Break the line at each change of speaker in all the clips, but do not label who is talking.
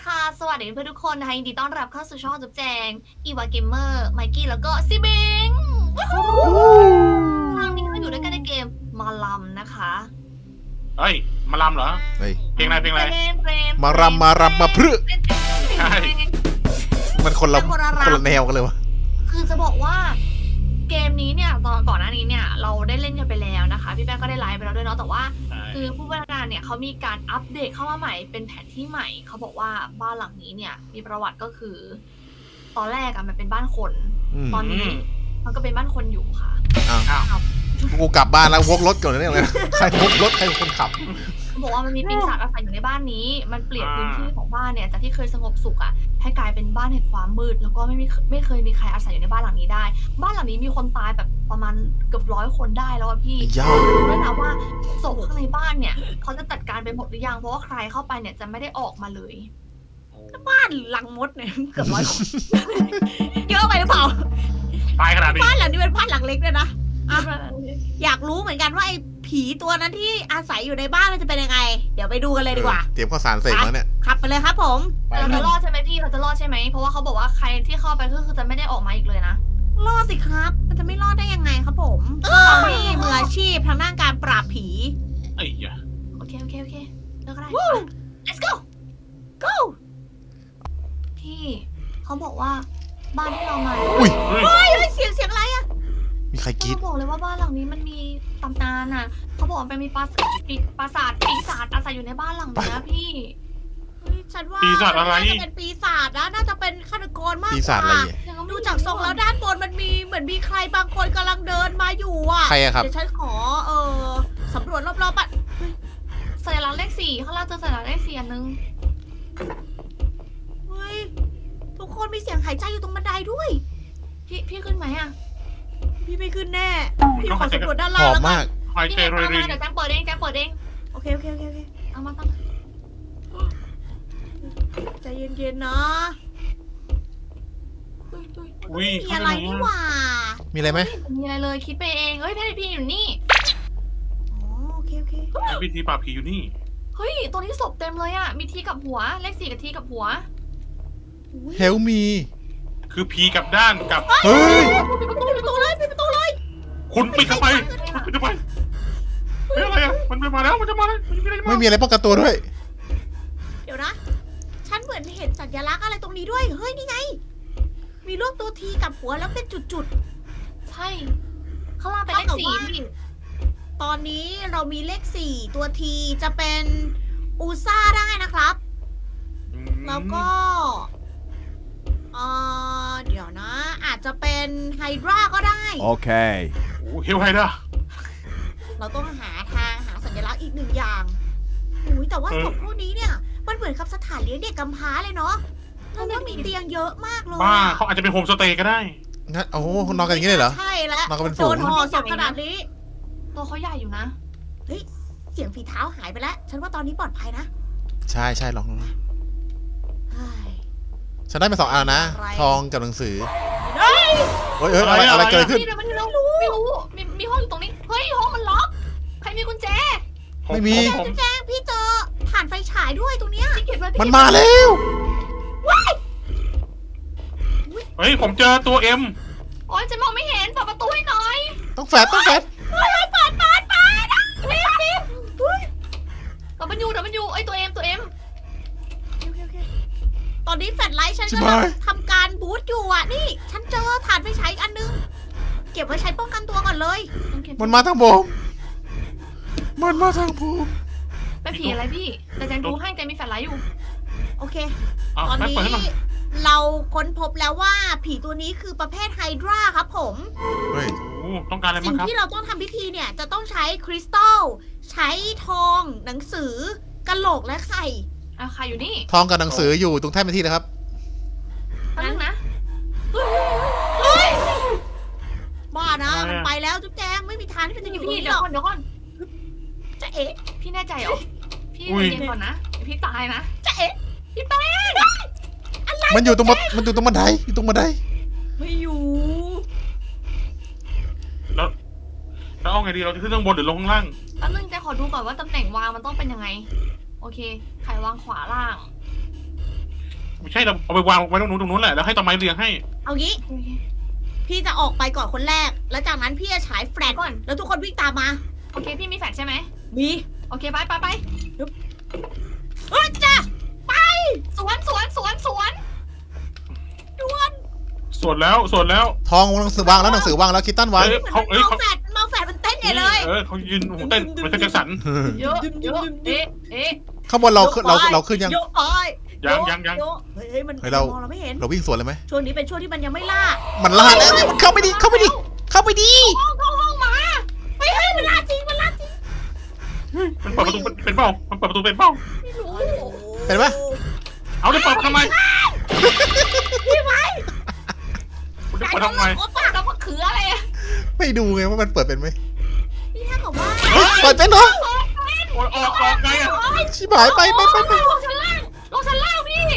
ค่ะสวัสดีเพื่อนทุกคนนะคะยินดีต้อนรับเข้าสู่ช่องจุ๊บแจงอีวาเกมเมอร์ไมกี้แล้วก็ซิบิงครั้งนี้เราอยู่ด้วยกันในเกมมาลัมนะคะ
เฮ้ย มาลำเหรอ
เฮ้ย
เพลงอะไรเพลงอะไร
มารำมาพรึ
ใช่
มันคนละแนวกันเลยวะ
คือจะบอกว่าเกมนี้เนี่ยตอนก่อนหน้านี้เนี่ยเราได้เล่นกันไปแล้วนะคะพี่แป้งก็ได้ไลฟ์ไปแล้วด้วยเนาะแต่ว่า คือผู้พัฒนาเนี่ยเขามีการอัปเดตเข้ามาใหม่เป็นแผนที่ใหม่เขาบอกว่าบ้านหลังนี้เนี่ยมีประวัติก็คือ ตอนแรกอะมันเป็นบ้านคน ตอนนี้มันก็เป็นบ้านคนอยู่ค่ะ
อ้าว
กูกลับบ้านแล้ววกรถก่อนเลยเนี่ยใครวกรถใครเป็นคนขับ
เขาบอกว่ามันมีปีศาจอาศัยอยู่ในบ้านนี้ มันเปลี่ยนพื้นที่ของบ้านเนี่ยจากที่เคยสงบสุขอะให้กลายเป็นบ้านแห่งความมืด แล้วก็ไม่เคยมีใครอาศัยอยู่ในบ้านหลังนี้ได้ บ้านหลังนี้มีคนตายแบบประมาณเกือบ100 คนได้แล้วอะพี่
ไอ้ย่า
ด้วยนะว่าศพข้างในบ้านเนี่ยเขาจะจัดการไปหมดหรือยังเพราะว่าใครเข้าไปเนี่ยจะไม่ได้ออกมาเลย บ้านหลังมดเนี่ยเกือบ100 คน เยอะไปหรือเปล่า
ตายขนาดนี้
บ้านหลังนี้เป็นบ้านหลังเล็กเลยนะอยากรู้เหมือนกันว่าไอ้ผีตัวนั้นที่อาศัยอยู่ในบ้านมันจะเป็นยังไง เดี๋ยวไปดูกันเลยดีกว่า
เตรียมข้าวสารเสร็จแล้วเนี่ย
ขับไปเลยครับผม
ไป
เรา
กั
จะ
น
รอดใช่ไหมพี่เราจะรอดใช่ไหมเพราะว่าเขาบอกว่าใครที่เข้าไปก็คือจะไม่ได้ออกมาอีกเลยนะ
รอดสิครับ มันจะไม่รอดได้ยังไงครับผมเรานี่มืออาชีพทางด้านการปราบผี
ไอ้เหี้ย
โอเคเลิกก็ได้ let's go
go
พี่เขาบอกว่าบ้านที่เรามา
อุ้ย
เฮ้ย
เฮ้ยเสียงอะไรอะ
มีใครกรีด
เขาบอกเลยว่าบ้านหลังนี้มันมีตำนานอ่ะเขาบอกว่ามันมีปราสาทปีศาจอาศัยอยู่ในบ้านหลังนี้นะพี่
เฮ้ยฉันว่า
ปีศาจอะไร
น่าจะเป็นปีศาจนะน่าจะเป็นฆาตกรมาก
ปี
ก
ศาจอะไร
ว่า
เนี่ย
ดูจากทรงแล้วด้านบนมันมีเหมือนมีใครบางคนกำลังเดินมาอยู่อ่ะ
ใครอะครับ
เดี๋ยวฉันขอสำรวจรอบๆบ้าน
สัญลักษณ์เลข 4ข้างล่างเจอสัญลักษณ์เลข 4อันนึง
เฮ้ยทุกคนมีเสียงหายใจอยู่ตรงบันไดด้วย
พี่ขึ้นไหมอ่ะ
พี่ไม่ขึ้นแน่ พี่ขอสำรวจด้าน
ห
ล่าง
อม
แล้วกั
มาน ก
หาย
พี่
ใจ
เน
โร
ตาม
ยริ
มาน เดี๋ยวแจ้งเปิดเอง
โอเค
เอามา
ใจเย็นๆนะ
อุ้ย
มีอะไรนี่หว่า
มีอะไรไหม
ไม่มีอะไรเลยคิดไปเองเฮ้ยพี่อยู่นี่
อ๋อโอเค
วิธีปราบผีอยู่นี่
เฮ้ยตรงนี้ศพเต็มเลยอ่ะมีทีกับหัวเลข 4กับทีกับหัว
อุ๊ย
เฮลมี
คือผีกับด้านกับ
เฮ้ย
ปิดประตูเลย
คุณปิดเข้าไปปิดเข้าไปเฮ้ยอะไรอ่ะมันมาแล้วมันจะมาแล้วมันมีอะไร
ไม่มีอะไรป้องกันตัวด้วย
เดี๋ยวนะ ฉันเหมือนเห็นสัญลักษณ์อะไรตรงนี้ด้วย เฮ้ยนี่ไง มีรูปตัวทีกับหัวแล้วเป็นจุด
ใช่ข้างล่างเป็นเลข 4พี่
ๆ ตอนนี้เรามีเลข 4 ตัวทีจะเป็นอูซ่าได้นะครับ แล้วก็เดี๋ยวนะ อาจจะเป็นไฮดราก็ได้
Okay
โอ้เฮลไฮด้า
เราต้องหาสัญลักษณ์อีกหนึ่งอย่างอุ้ยแต่ว่าศพพวกนี้เนี่ย มันเหมือนกับสถานเลี้ยงเด็กกำพร้าเลยเนาะเพราะว่ามีเตียงเยอะมากเลย
บ้า
อะ
เขาอาจจะเป็นโฮมสเตย์ก็ได้
งั้นโอ้โหนอนกันอย่างนี้เลยเหรอ
ใช่แล้ว
นอนกันเป็นฝู
โด
ง
นห่อศพขนาดนี้
ตัวเขาใหญ่อยู่นะ
เฮ้ย เสียงฝีเท้าหายไปแล้ว ฉันว่าตอนนี้ปลอดภัยนะ
ใช่ลอง
เฮ้ย
ฉันได้มา2อันนะ
อะไร
ทองกับหนังสือ
เฮ้ย
เฮ้ยอะไรเกิดขึ้น
พี่เดี๋ยวมันไม่รู้มีห้องอยู่ตรงนี้เฮ้ยห้องมันล็อกใครมีกุญแจ
ไม่มี
ผม
แจ้งพี่เจอผ่านไฟฉายด้วยตรงเนี้ย
พี่เก็บไว้
มันมาแล้ว
เฮ้ยผมเจอตัวเอ็ม
โอ๊ยจะมองไม่เห็นเปิดประตูให้หน่อย
ต้องแฟด
รีบเดี๋ยวมันอยู่ไอ้ตัวเอ็ม
โอเคตอนนี้แฟลชไลท์ฉัน
ชิบ
กำลั
หาง ย
ทำการบูตอยู่อ่ะ นี่ ฉันเจอถ่านไฟฉายอีกอันนึง เก็บไว้ใช้ป้องกันตัวก่อนเลย
มันมาทางผมมันมาทางผม
เป็นผีอะไรพี่แต่แจงดูให้แจงมีแฟลชไลท์อยู่
โอเค
อ่ะ
ตอน
แม่
นี้
เปิดให้หน่อย
เราค้นพบแล้วว่าผีตัวนี้คือประเภทไฮดราครับผม
เฮ้ย
โอ้ต้องการอะไร
สิ่
บ้าง งครับ
ที่เราต้องทำพิธีเนี่ยจะต้องใช้คริสตัล ใช้ทอง หนังสือกะโหลกและไข่
ใครอยู่นี่
ทองกับหนังสืออยู่ตรงแท่นเป็นที่นะครับ
แป๊บนึงนะ
บ้านะมันไปแล้วจุ๊บแจงไม่มีทางที่มันจะอยู่ตรง
พี่
นี้
เดี๋
ห
ย
ร
ว
อก
ก่อนเดี๋ยวก่อน
จะเอ๊ะ
พี่แน่ใจเหรอ พี่
อุ้ย
เย็นๆก่อนนะเดี๋ยวพี่ตายนะ
จะเอ๊ะ
มันอยู่ตรงบันไดอยู่ตรงบันได
ไม่อยู่
แล้วเอาไงดีเราจะขึ้นข้างบนหรือลงข้างล่าง
แป๊บนึงแจงขอดูก่อนว่าตำแหน่งวางมันต้องเป็นยังไง โอเคไขวางขวาล่าง
ไม่ใช่เราเอาไปวางไว้ตรงนู้นแหละแล้วให้ต้นไม้เรียงให้
เอางี้ พี่จะออกไปก่อนคนแรก แล้วจากนั้นพี่จะฉายแฟลช
ก่อน
แล้วทุกคนวิ่งตามมา
โอเคพี่มีแฟลชใช่ไหม
มี
โอเคไป
เฮ้ยจ้ะไป
สวน
ด่วน
สวดแล้ว
ทองหนังสือวางแล้วหนังสือวางแล้วคิตตันวาง
เอ้ย
มันเมาแฟลชมันเต้นใหญ่เลย
เขายืนโอ้โหเต้นมันก็จะสั่น
เยอะเอ๊ะ
ข้างบนเราขึ้นยัง
โยกไป
ยัง
โยกเฮ้ยมัน
เฮ้ยเรา
มองเราไม่เห็น
เราวิ่งสวนเลยไหม
ช่วงนี้เป็นช่วงที่มันยังไม่ล่า
มันล่าแล้วมันเข้าไปดิเข้าไปดิเข้าไปดิ
เข้าห้องมา
เฮ้ยมันล่าจริง
มันเปิดประตูเป็นเปล่ามันเปิดประตูเป็นเปล่า
ไม่รู้
เห็นไหม
เอาได้เปิดทำไม
พี่ไว้
คุณจะเปิดทำไม
โอ้ปะ
แล้วมันคืออะไรอะ
ไม่ดูไงว่ามันเปิดเป็นไหม
พี่ถ้าบอกว่า
เฮ้ยเปิดเป็นเหรอ
ออกไงอ่ะ
ชิบหายไป
ลงชั้นล่างพี่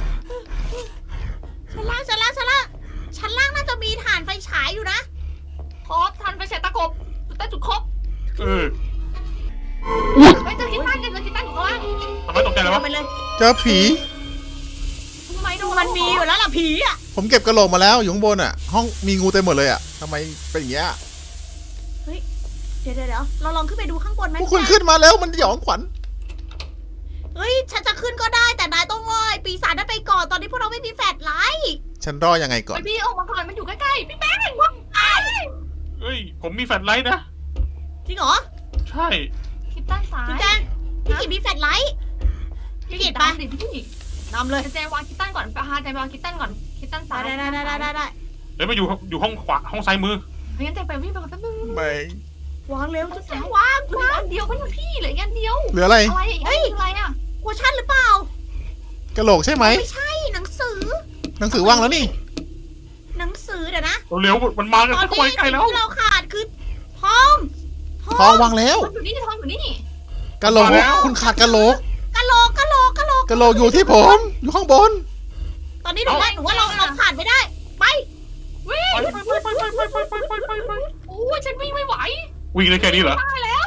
ชั้นล่างน่าจะมีฐานไฟฉายอยู่นะ
พอทันไปเสร็จตะกบแต่จุดครบ
เออ
ไม่เจอคิตตันอยู่ข้างล่าง
ทำไมตกใจเลยวะ
ไปเลย
เจอผี
ทำไมโดน
มันมีอยู่แล้วล่ะผีอ่ะ
ผมเก็บกระโหลกมาแล้วอยู่ข้างบนอ่ะ ห้องมีงูเต็มหมดเลยอ่ะทำไมเป็นอย่างเงี้ย
เดี๋ยวเราลองขึ้นไปดูข้างบนไหม
พวกคุณขึ้นมาแล้วมันหยองขวัญ
เฮ้ยฉันจะขึ้นก็ได้แต่นายต้องง่อยปีศาจนั้นไปก่อนตอนนี้พวกเราไม่มีแฟลชไลท์
ฉันรอยังไงก่อน
พี่ออกมาก่อนมันอยู่ใกล้ๆพี่แป้งว่ะ
เฮ้ยผมมีแฟลชไลท์นะ
จริงเหรอ
ใช่
คิตตันซ้าย
พี่แจงพี่กิจมีแฟลชไลท์
พี่กิตไปดิพี่
นำเลย
แจวางคิตตันก่อนพาแจวางคิตตันก่อนคิตตันซ้าย
ได้
เดี๋ยวมาอยู่ห้องขวาห้องซ้ายมือ
งั้นแจไปวิ่งไปก่อนแป๊บนึง
ไม่
วางเร็วจะแจงวาง
เหลืออันเดียวก็ยังพี่เหลืออันเดียว
เหลืออะไร
อะไรอะไรอ่ะ
โคชั่นหรือเปล่าก
ระโหลกใช่ไหม
ไม่ใช่หนังสือ
หนังสือว่างแล้วนี่
หนังสือเดี๋ยวนะ
เร็วมันมากัน
ตอน
ทุก
นี้
คนใกล้
สิ่ง
แล้ว
ที่เราขาดคือทอง
ทองวางแล้ว
ทองอยู่นี่ทองอยู่นี่
กระโหลกคุณขาดกระโหลก
กะโหลก
กระโหลกอยู่ที่ผม อยู่ข้างบน
ตอนนี้หนูว่าเราผ่านไม่ได้ไป
วิ่ง
ไป
โอ้ยฉันวิ่งไม่ไหว
วิ่งได้แค่นี้เหรอ
ตายแล้ว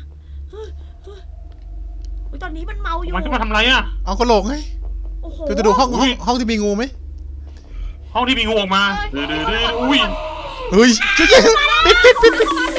ตอนนี้มันเมาอยู่
มันจะมาทำไรอ่ะ
เอากระโหลกไง
โอ้โห
จะดูห้องที่มีงูไหม
ห้องที่มีงูออกมาอุ้ย
เฮ้ยเจ๊ปิด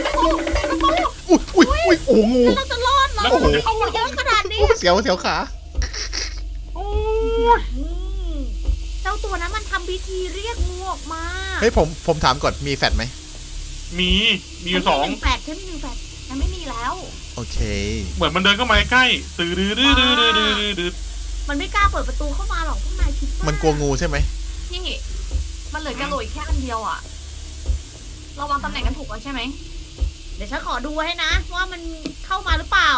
อุ้ยโอ้งู
เราจะรอดเหรอ
แล้วผมจะเข้า
เยอะขนาดนี้
เสียวขา
โอ้ย
เจ้าตัวนั้นมันทำพิธีเรียกงูออกมา
เฮ้ยผมถามก่อนมีแฟดไหม
มีอยู่สอง
แปดใช่ไหมหนึ่งแปด
ฉันไม่มีแล้ว
โอเค
เหมือนมันเดินเข้ามาใกล้ตื่น
มันไม่กล้าเปิดประตูเข้ามาหรอกพวกนายคิดว่า
มันกลัวงูใช่ไหม
พี่มันเหลือกระโหลกแค่อันเดียวอ่ะเราวางตำแหน่งกันถูกแล้วใช่ไหม
เดี๋ยวฉันขอดูให้นะว่ามันเข้ามาหรือเปล่า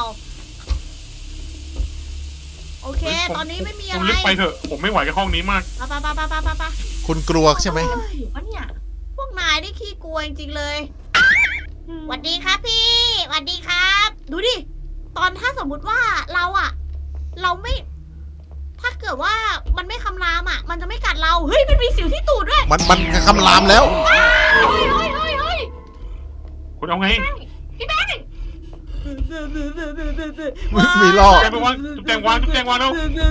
โอเค ตอนนี้ไม่มี
คุ
อะ
ณ
ไร
รีบไปเถอะผมไม่ไหวกับห้องนี้มาก
ไป
คุณกลัวใช่ไหม
ถูกปะเนี่ย
พวกนายได้ขี้กลัวจริงๆเลยสวัสดีครับพี่สวัสดีครับ ดูดิ ตอนถ้าสมมุติว่าเราไม่ ถ้าเกิดว่ามันไม่คำรามอ่ะ มันจะไม่กัดเรา เฮ้ย มันมีสิวที่ตูดด้วย
มันคำรามแล้ว
เฮ้ย
คุณเอาไง
พี่แป้ง
มีล่อ
แกไปวางจุ๊บแจงวางแล้ว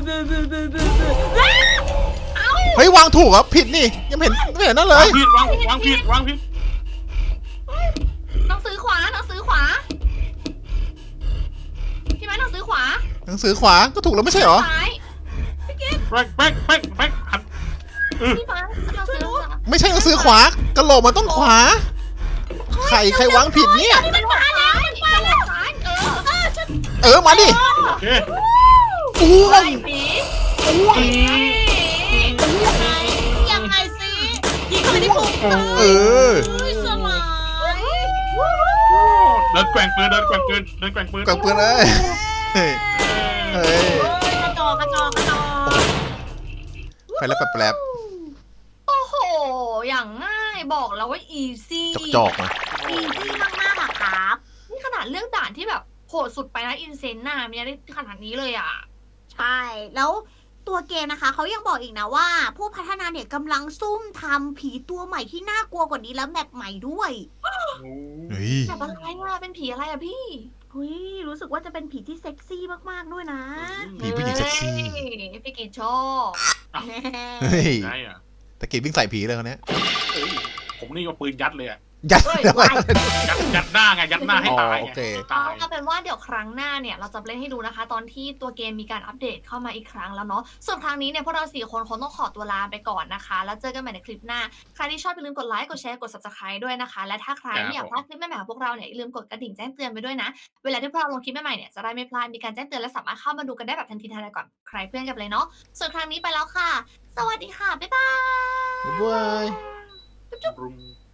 เฮ้ยวางถูกเหรอผิดนี่ยังไม่เห็นนั่นเล
วาย งผิดวางผิด
หนังสือขวาพี่แป้งหนังสือขวา
หนังสือขวาก็ถูกแล้วไม่ใช่เหรอ
ซ้าย
แป้งหัน
พี่แป้งหนังสือขวา
ไม่ใช่หนังสือขวากระโหลกมันต้องขวาใครวางผิดเนี่ย
มันมาแล้วซ้าย
มาดิ
โอเค
อ้วง
ปี
ยังไงสิยิงเข้าไปที่พุง
เออ
สลาย
เดินแกว่งปืน
กวางปืนเอ้ยเฮ้ย
กระจอก
ไปแล้วแปลบ
โอ้โหอย่างง่ายบอกแล้วว่า easy
จอกนะ
อีซี่มากๆอะครับ
นี่ขนาดเรื่องด่านที่แบบโหดสุดไปนะอินเซนน่ะมันยังได้ขนาดนี้เลยอ่ะ
ใช่ แล้วตัวเกมนะคะเขายังบอกอีกนะว่า ผู้พัฒนาเนี่ยกำลังซุ่มทำผีตัวใหม่ที่น่ากลัวกว่านี้แล้วแมปใหม่ด้วย
เฮ้ย
แบบอะไรอ่ะเป็นผีอะไรอ่ะพี่
เฮ้ยรู้สึกว่าจะเป็นผีที่เซ็กซี่มากๆด้วยนะ
ผีผู้หญิงเซ็กซี่
พี่กิจชอบ
เฮ้ย
ไงอ่ะ
ตะกี้วิ่งใส่ผีเลยคนเนี้ย
เอ้ยผมนี่ก็ปืนยัดเลยอ่ะ
ยัด
เฮ้ย
ทำไม
ยัดหน้าไงยัดหน้าให้ตาย
อ๋อโอ
ไง
เค
ตาย
เอาเป็นว่าเดี๋ยวครั้งหน้าเนี่ยเราจะเล่นให้ดูนะคะ ตอนที่ตัวเกมมีการอัปเดตเข้ามาอีกครั้งแล้วเนาะส่วนครั้งนี้เนี่ยพวกเรา4 คนคงต้องขอตัวลาไปก่อนนะคะ แล้วเจอกันใหม่ในคลิปหน้าใครที่ชอบอย่าลืมกดไลค์กดแชร์กด subscribe ด้วยนะคะ และถ้าใครไม่อยากพลาดคลิปใหม่ๆของพวกเราเนี่ยอย่าลืมกดกระดิ่งแจ้งเตือนไปด้วยนะเวลาที่พวกเราลงคลิปใหม่ๆเนี่ยจะได้ไม่พลาดมีการแจ้งเตือนและสามารถเข้ามาดูกันได้แบบทันทีทันใดก่อนใครเพื่อนกันเลยเนาะส่วนครั้งนี้ไปแล้วค่ะ สวัสดีค่ะบ๊ายบาย
บ๊ายบาย
รุม